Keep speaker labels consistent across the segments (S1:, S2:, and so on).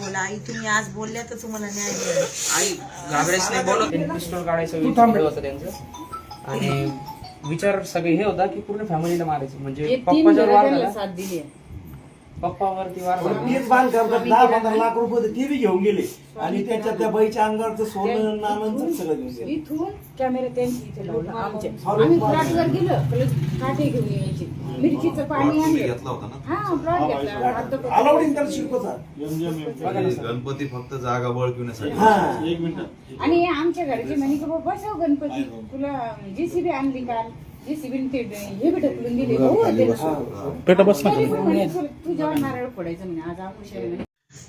S1: बोला आई, तुम्ही आज बोलल्या तर तुम्हाला न्याय मिळेल.
S2: आई घाबरायचं नाही, बोलत पिस्टॉल काढायचं विचार होतं त्यांचं. आणि विचार सगळे हे होता की पूर्ण फॅमिलीला मारायचं. म्हणजे पप्पाच्यावर वार झाला,
S3: साथ दिली
S2: पप्पावरती वार झाला.
S4: तेच बांध करतात 10-15 लाख रुपये होते ते बी घेऊन गेले आणि त्याच्यात त्या बाईच्या अंगावरचं सोनं नाणं सगळं घेऊन गेले.
S3: इथून कॅमेरा त्यांची इथे लावला आमच्या. आम्ही प्लॉटवर गेलो, काटे घेऊन यायचे, मिरचीचं पाणी आणलं.
S5: घेतला होता ना.
S3: हा प्लॉट घेतला. आता तो-
S4: अलाउडिंग त्याला शिकवतात.
S5: गणपती फक्त जागा बळकविण्यासाठी.
S4: हा
S3: आणि आमच्या घरचे म्हणे की बाबा बसव गणपती, तुला जेसीबी आणली काल, जेसीबी ते हे बी ढकलून दिले. भाऊ होते ना.
S6: पेटा बस
S3: तरी पण म्हणे, तुझ्यावर नारळ फोडायचं म्हणे, आज आमुष्या म्हणे.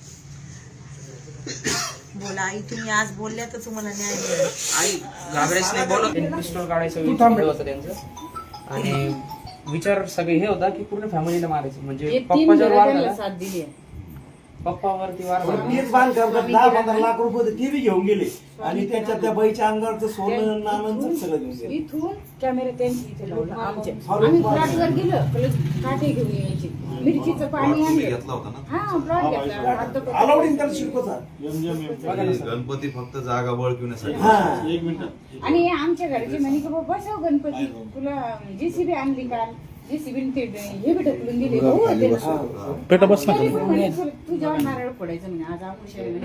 S1: बोला आई, तुम्ही आज बोलल्या तर तुम्हाला न्याय मिळेल.
S2: आई घाबरायचं नाही, बोलत पिस्टॉल काढायचं विचार होतं त्यांचं. आणि विचार सगळे हे होता की पूर्ण फॅमिलीला मारायचं. म्हणजे
S3: हे तीन
S2: पप्पाच्यावर वार
S3: घराला
S2: झाला,
S3: साथ दिली.
S2: पप्पावरती वार झाला.
S4: तेच बांध करतात 10-15 लाख रुपये होते ते बी घेऊन गेले आणि त्याच्यात त्या बाईच्या अंगावरचं सोनं नाणं सगळं घेऊन गेले.
S3: इथून कॅमेरा त्यांची इथे लावला आमच्या. आम्ही प्लॉटवर गेलो, काटे घेऊन यायचे, मिरचीचं पाणी आणलं.
S5: घेतला होता ना.
S3: हा प्लॉट घेतला. आता तो-
S4: अलाउडिंग त्याला शिकवतात.
S5: गणपती फक्त जागा बळकविण्यासाठी.
S4: हा
S3: आणि आमच्या घरचे म्हणे की बाबा बसव गणपती, तुला जेसीबी आणली काल, जेसीबी ते हे बी ढकलून दिले. भाऊ होते ना.
S6: पेटा बस
S3: तरी पण म्हणे, तुझ्यावर नारळ फोडायचं म्हणे, आज आमुष्या म्हणे.